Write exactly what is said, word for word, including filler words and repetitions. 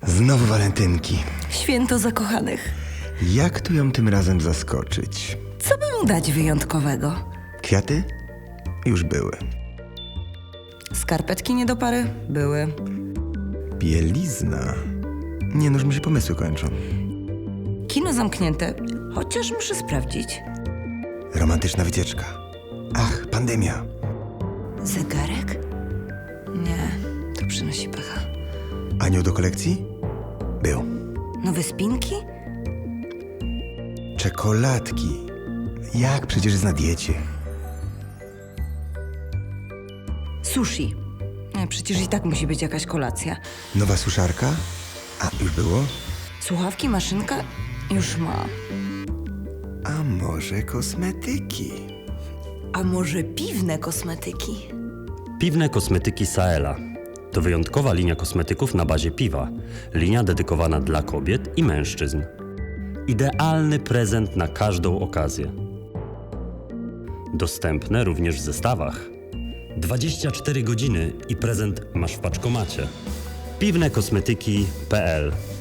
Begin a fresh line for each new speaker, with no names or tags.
Znowu walentynki.
Święto zakochanych.
Jak tu ją tym razem zaskoczyć?
Co by mu dać wyjątkowego?
Kwiaty? Już były.
Skarpetki nie do pary? Były.
Bielizna? Nie, noż mi się pomysły kończą.
Kino zamknięte, chociaż muszę sprawdzić.
Romantyczna wycieczka. Ach, pandemia.
Zegarek? Nie, to przynosi pecha.
Anioł do kolekcji? Był.
Nowe spinki?
Czekoladki. Jak? Przecież jest na diecie.
Sushi. Nie, przecież i tak musi być jakaś kolacja.
Nowa suszarka? A, już było?
Słuchawki, maszynka? Już ma.
A może kosmetyki?
A może piwne kosmetyki?
Piwne kosmetyki Saela. To wyjątkowa linia kosmetyków na bazie piwa. Linia dedykowana dla kobiet i mężczyzn. Idealny prezent na każdą okazję. Dostępne również w zestawach. dwadzieścia cztery godziny i prezent masz w paczkomacie. piwne kosmetyki kropka p l